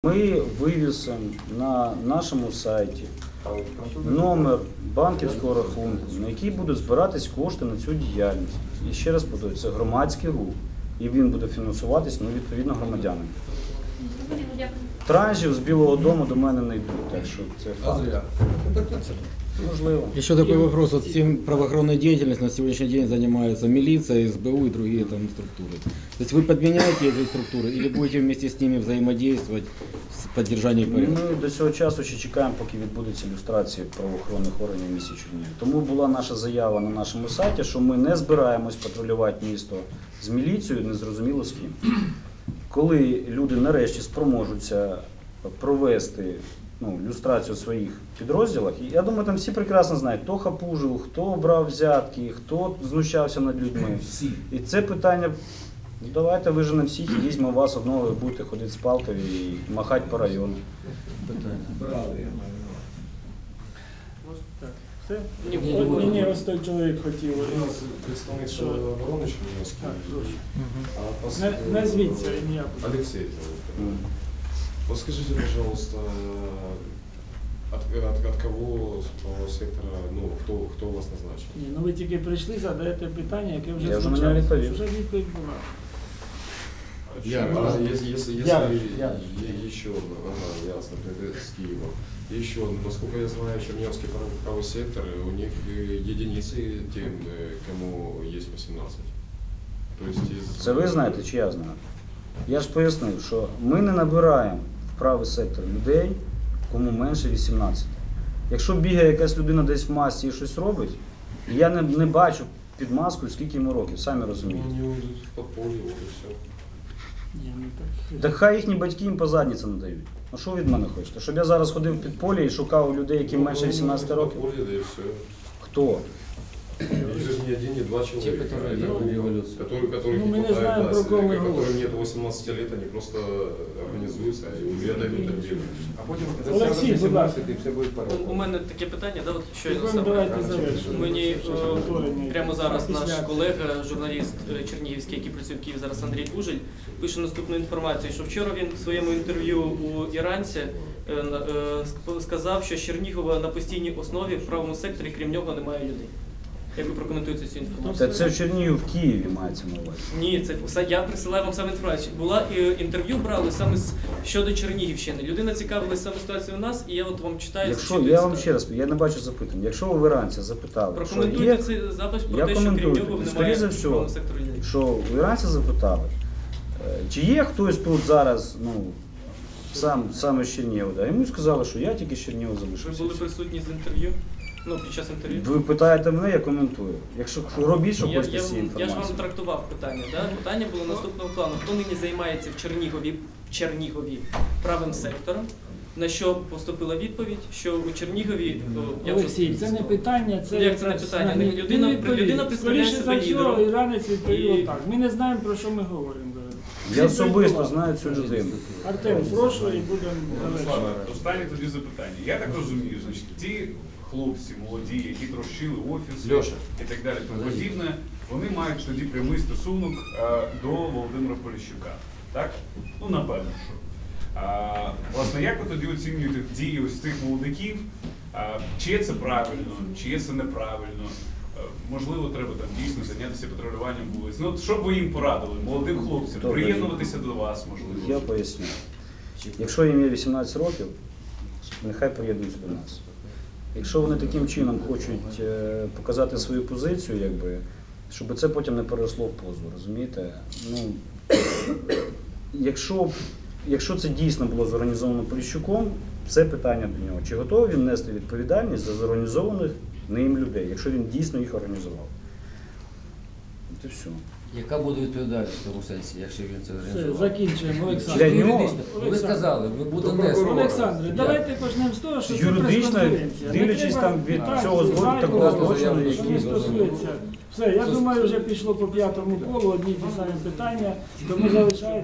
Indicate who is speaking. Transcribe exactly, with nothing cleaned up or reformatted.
Speaker 1: Ми вивісимо на нашому сайті номер банківського рахунку, на який будуть збиратись кошти на цю діяльність. І ще раз повторюю, це громадський рух, і він буде фінансуватись, ну, відповідно, громадянами. Транжів з Білого дому до мене не йдуть, так що це факт. Можливо.
Speaker 2: Еще такой вопрос. Вот всем правоохранной деятельностью на сегодняшний день занимаются милиция, эс бэ у и другие там структуры. То есть вы подменяете эти структуры или будете вместе с ними взаимодействовать с поддержанием порядка?
Speaker 1: Ми до цього часу ще чекаємо, поки відбудеться люстрація правоохоронних органів міста Чернігів. Тому була наша заява на нашому сайті, що ми не збираємось патрулювати місто з міліцією, незрозуміло з ким. Коли люди нарешті спроможуться провести ну, люстрацію в своїх підрозділах, і я думаю, там всі прекрасно знають, хто хапужив, хто брав взятки, хто знущався над людьми. І це питання, ну, давайте виженемо всіх і візьмемо вас одного, ви будете ходити з палкою і махати по району.
Speaker 3: Все? Ні, ні, ось той чоловік хотів.
Speaker 4: Представник оборони Чернігівської.
Speaker 3: Не звідси ім'я.
Speaker 4: Алексей. Вот скажите, пожалуйста, от, от, от кого с правого сектора, ну, кто, кто у вас назначен?
Speaker 3: Ні, ну ви тільки прийшли, задаєте питання, яке вже
Speaker 1: Я вже
Speaker 3: звучало.
Speaker 1: на нього відповів.
Speaker 3: Вже відповідь була.
Speaker 4: Я, а если, если, если
Speaker 3: Я,
Speaker 4: е-
Speaker 3: я.
Speaker 4: е- еще, ага, ясно, это с Киева. Еще, насколько я знаю, Черниговский правый, правый сектор, у них э, единицы тем, э, кому есть восемнадцать. То есть из...
Speaker 1: Це ви знаєте, чи я знаю? Я ж пояснив, що ми не набираємо в правий сектор людей, кому менше вісімнадцяти. Якщо бігає якась людина десь в масці і щось робить, я не, не бачу під маскою, скільки йому років, самі розумієте.
Speaker 4: Они уйдут в подполье, вот и все.
Speaker 3: Ні, ну так.
Speaker 1: Так хай їхні батьки їм по задниці надають. Ну що ви від мене хочете? Щоб я зараз ходив в підполье і шукав людей, яким менше вісімнадцяти років?
Speaker 4: Подполье, да и все.
Speaker 1: Хто?
Speaker 4: Их же не один, не два человека.
Speaker 2: которые
Speaker 4: Это
Speaker 2: делали
Speaker 4: люди,
Speaker 2: революцию.
Speaker 4: которые, которых
Speaker 3: Ну,
Speaker 4: не
Speaker 3: мы не
Speaker 4: хватает,
Speaker 3: знаем,
Speaker 4: да,
Speaker 3: про кого мы
Speaker 4: которым
Speaker 3: говорим.
Speaker 4: нет восемнадцати лет, они просто организуются и отдают так делать.
Speaker 5: А потім
Speaker 3: Олексій, будь ласка.
Speaker 5: і все буде
Speaker 6: У
Speaker 5: порядку.
Speaker 6: мене таке питання, да, от щойно
Speaker 3: Тепер
Speaker 6: саме.
Speaker 3: давайте завершимо.
Speaker 6: Мені е,
Speaker 3: Повторення.
Speaker 6: прямо зараз наш
Speaker 3: Після-
Speaker 6: колега, журналіст е, чернігівський, який працює в Києві, зараз Андрій Кужель, пише наступну інформацію, що вчора він в своєму інтерв'ю у Іранці е, на- е, ск- сказав, що з Чернігова на постійній основі в правому секторі, крім нього, немає людей. Як ви прокоментуєте цю інформацію?
Speaker 1: Та це в Чернігів, в Києві мається на увазі.
Speaker 6: Ні, це все- я присилаю вам саме інформацію. Була е, інтерв'ю брали саме з щодо Чернігівщини. Людина цікавилась саме ситуацією у нас, і я от вам читаю.
Speaker 1: Якщо,
Speaker 6: зачитую
Speaker 1: я вам
Speaker 6: цитату.
Speaker 1: ще раз, я не бачу запитань. Якщо ви в Іранці запитали, що є,
Speaker 6: Прокоментуйте цей запис про
Speaker 1: я
Speaker 6: те, що крім
Speaker 1: коментую.
Speaker 6: нього
Speaker 1: Скоріше
Speaker 6: немає
Speaker 1: за
Speaker 6: в
Speaker 1: все,
Speaker 6: правому секторі людей.
Speaker 1: що в Іранці запитали, е, чи є хтось тут зараз, ну, сам, саме з Чернігова, да? Йому сказали, що я тільки з Чернігова
Speaker 6: Ви
Speaker 1: залишився.
Speaker 6: були присутні з інтерв'ю? Ну, під час інтерв'ю?
Speaker 1: Ви питаєте мене, я коментую. Якщо робіть, що
Speaker 6: я,
Speaker 1: хочете
Speaker 6: я,
Speaker 1: з цієї
Speaker 6: я ж вам
Speaker 1: інформації.
Speaker 6: трактував питання. Да? Питання було наступного плану. Хто нині займається в Чернігові, в Чернігові правим сектором? На що поступила відповідь, що у Чернігові... о, я вже-
Speaker 3: Олексій, це не питання, це
Speaker 6: Як це не питання?
Speaker 3: Ні,
Speaker 6: Людина-
Speaker 3: він відповів.
Speaker 6: людина представляє
Speaker 3: Скоріше
Speaker 6: себе
Speaker 3: за всього,
Speaker 6: лідером.
Speaker 3: іранець відповів
Speaker 6: І-
Speaker 3: отак. Ми не знаємо, про що ми говоримо.
Speaker 1: Я особисто знаю цю людину.
Speaker 3: Артем, прошу і будемо завершувати.
Speaker 7: Слава, останнє тоді запитання. Я так розумію, значить, ті хлопці молоді, які трощили офіс
Speaker 2: Льоша.
Speaker 7: і так далі, тому подібне, вони мають тоді прямий стосунок е, до Володимира Поліщука. Так? Ну, напевно, що. А, власне, як ви тоді оцінюєте дії ось цих молодиків? А, чи це правильно, чи це неправильно? Е, Можливо, треба там дійсно зайнятися патрулюванням вулиць. Ну, от що б ви їм порадили, молодим хлопцям,
Speaker 1: Добре.
Speaker 7: приєднуватися до вас, можливо?
Speaker 1: Я поясню. Якщо їм є вісімнадцять років, нехай приєднуються до нас. Якщо вони таким чином хочуть е, показати свою позицію, якби, щоб це потім не переросло в позу, розумієте? Ну, якщо, якщо це дійсно було зорганізовано Поліщуком, це питання до нього. Чи готовий він нести відповідальність за зорганізованих ним людей, якщо він дійсно їх організував? Це все.
Speaker 2: Яка буде відповідальність в тому сенсі, якщо він це
Speaker 3: Все,
Speaker 2: організував?
Speaker 3: закінчуємо, Олександр.
Speaker 1: Для нього?
Speaker 2: Юридично. Ви сказали, ви буде
Speaker 4: До
Speaker 2: нести.
Speaker 4: прокурора.
Speaker 3: Олександре, давайте почнемо з того, що це
Speaker 1: Юридично,
Speaker 3: прес-конференція. Не
Speaker 1: дивлячись
Speaker 3: треба
Speaker 1: там від
Speaker 3: питати,
Speaker 1: цього зло-
Speaker 3: зайвого,
Speaker 1: такого
Speaker 2: злочину,
Speaker 3: що не
Speaker 2: який
Speaker 3: стосується. Все, я думаю, вже пішло по п'ятому колу одні й ті самі питання, тому залишається.